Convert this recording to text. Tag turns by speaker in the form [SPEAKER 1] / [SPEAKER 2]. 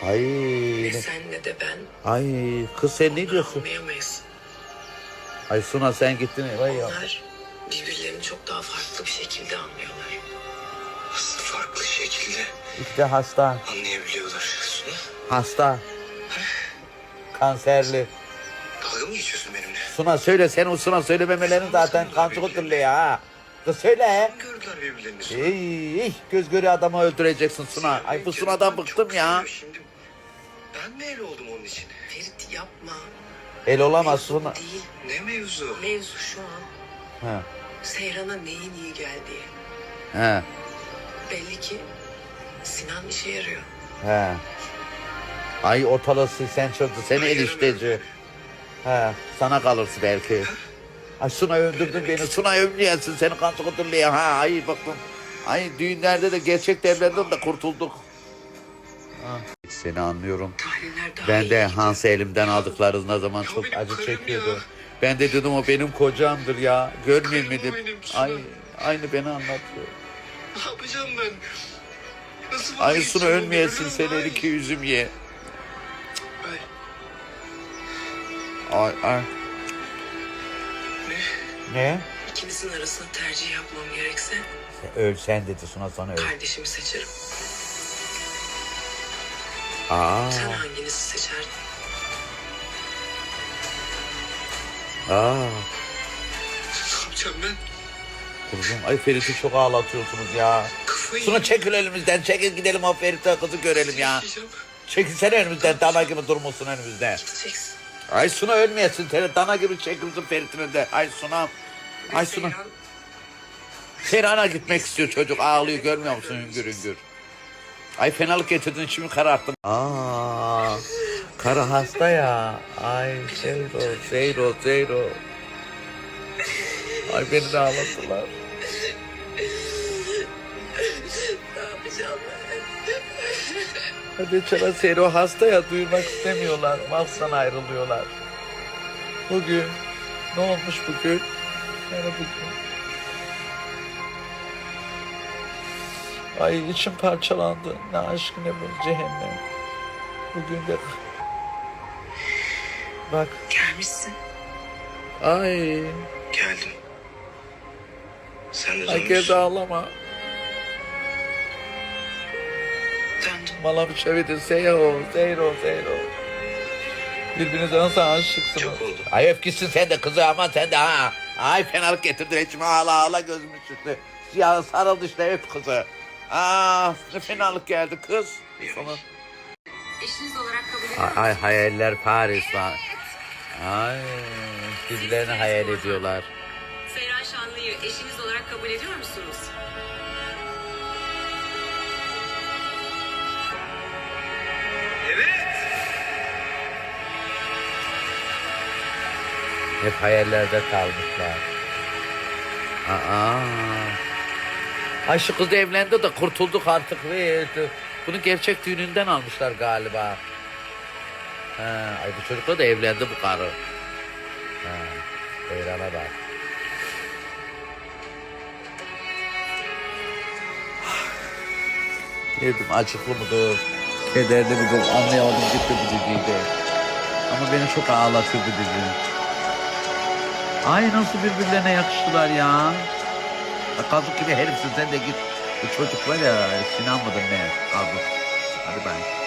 [SPEAKER 1] Ay.
[SPEAKER 2] Ne sen ne de ben.
[SPEAKER 1] Ay kız sen ne diyorsun?
[SPEAKER 2] Anlayamayız.
[SPEAKER 1] Ay Suna sen gittin. Vay ya.
[SPEAKER 2] Onlar birbirlerini çok daha farklı bir şekilde anlıyorlar. Nasıl farklı şekilde
[SPEAKER 1] İşte hasta.
[SPEAKER 2] anlayabiliyorlar Suna?
[SPEAKER 1] Hasta. Kanserli.
[SPEAKER 2] Dalga mı geçiyorsun benimle?
[SPEAKER 1] Suna söyle, sen o Suna söylememelerin zaten kancık oturluyor ha. Kız söyle.
[SPEAKER 2] Gördüler birbirlerini Suna.
[SPEAKER 1] Ey, göz göre adamı öldüreceksin Suna. Ay bu Suna'dan bıktım ya.
[SPEAKER 2] Şimdi ben mi el oldum onun için? Ferit yapma.
[SPEAKER 1] El olamaz
[SPEAKER 2] Mevzu
[SPEAKER 1] Suna.
[SPEAKER 2] değil. Ne mevzu? Mevzu şu an
[SPEAKER 1] He.
[SPEAKER 2] Seyran'a neyin iyi geldiği.
[SPEAKER 1] He.
[SPEAKER 2] Belli ki Sinan işe yarıyor.
[SPEAKER 1] He. Ay ortalığı sen çözdü. Seni enişteci. He. Sana kalırsın belki. Ay Suna öldürdün beni. Suna ömrüyensin. Seni kancık oturluyor ha. Ay baktım. Ay düğünlerde de gerçek evlendim de kurtulduk. Ha. Seni anlıyorum.
[SPEAKER 2] Tahliller daha
[SPEAKER 1] Ben
[SPEAKER 2] iyi
[SPEAKER 1] de
[SPEAKER 2] gidiyor.
[SPEAKER 1] Hans'ı elimden aldıklarında zaman
[SPEAKER 2] Ya
[SPEAKER 1] çok
[SPEAKER 2] benim
[SPEAKER 1] acı
[SPEAKER 2] karım
[SPEAKER 1] çekiyordu.
[SPEAKER 2] ya.
[SPEAKER 1] Ben de dedim o benim kocamdır ya. Görmeyeyim mi
[SPEAKER 2] Karım
[SPEAKER 1] dedim.
[SPEAKER 2] benim, Suna.
[SPEAKER 1] Ay aynı beni anlatıyor.
[SPEAKER 2] Ne yapacağım ben? Nasıl
[SPEAKER 1] Ay
[SPEAKER 2] vazgeçeceğim
[SPEAKER 1] Suna
[SPEAKER 2] ondan?
[SPEAKER 1] ölmeyesin,
[SPEAKER 2] Ölürüm
[SPEAKER 1] sen
[SPEAKER 2] daha
[SPEAKER 1] el
[SPEAKER 2] iyi.
[SPEAKER 1] iki üzüm ye.
[SPEAKER 2] Ay,
[SPEAKER 1] Ay.
[SPEAKER 2] ne?
[SPEAKER 1] Ne?
[SPEAKER 2] İkinizin arasında tercih yapmam gerekse
[SPEAKER 1] Ölsen dedi Suna sana öl.
[SPEAKER 2] kardeşimi seçerim.
[SPEAKER 1] Aa.
[SPEAKER 2] Sen hanginizi seçerdin?
[SPEAKER 1] Aa.
[SPEAKER 2] Ne yapacağım ben?
[SPEAKER 1] Kuzum ay Ferit'i çok ağlatıyorsunuz ya.
[SPEAKER 2] Kafayı
[SPEAKER 1] Suna çekil elimizden, çekil gidelim o Ferit'e kızı görelim ya.
[SPEAKER 2] yaşayacağım.
[SPEAKER 1] Çekilsene önümüzden, dana gibi durmasın önümüzde.
[SPEAKER 2] Gideceksin.
[SPEAKER 1] Ay Suna ölmeyesin, seni dana gibi çekilsin Ferit'in önünde. Ay Suna. Ay Suna.
[SPEAKER 2] Seyran,
[SPEAKER 1] Seyran'a gitmek istiyor çocuk, ağlıyor görmüyor musun hüngür hüngür. Ay fenalık getirdin şimdi kararttın. Aa, karı hasta ya. Ay Zeyro. Ay beni de ağlattılar.
[SPEAKER 2] ne yapacağım ben?
[SPEAKER 1] Hadi çala Zeyro hasta ya, duymak istemiyorlar. Mahzan ayrılıyorlar. Bugün, ne olmuş bugün? Yani bugün. Ay içim parçalandı. Ne aşk ne bu cehennem. Bugün de bak.
[SPEAKER 2] Gelmişsin.
[SPEAKER 1] Ay.
[SPEAKER 2] Geldim. Sen de
[SPEAKER 1] Ay gez
[SPEAKER 2] dönmüşsün.
[SPEAKER 1] ağlama.
[SPEAKER 2] Döndüm.
[SPEAKER 1] Bana bir şey verin. Zeyro. Birbirinize nasıl aşıksınız?
[SPEAKER 2] Çok oldu.
[SPEAKER 1] Ay öfkesin sen de kızı ama sen de ha. Ay fenalık getirdin içime ağla gözümün üstü. Ya sarıldı işte öp kızı. Ne fenalık geldi kız. Sana...
[SPEAKER 3] Eşiniz olarak kabul ediyor musunuz?
[SPEAKER 1] Ay hayaller Paris var. Ay birbirlerini hayal ediyorlar.
[SPEAKER 3] Seyran Şanlı'yı eşiniz olarak kabul ediyor musunuz?
[SPEAKER 2] Evet.
[SPEAKER 1] Hep hayallerde kalmışlar. Ay şu kız evlendi de kurtulduk artık. Bunu gerçek düğününden almışlar galiba. Ay bu çocukla da evlendi bu karı. Seyran'a bak. Yedim acıklı mıdır? Kederli midir? Anlayamadım gitti bu diziydi. Ama beni çok ağlatıyor bu dizi. Ay nasıl birbirlerine yakıştılar ya. Kazık gibi herifsin sen de git. Bu çocuk var ya Sinan mıdır ne? Kazık. Hadi ben.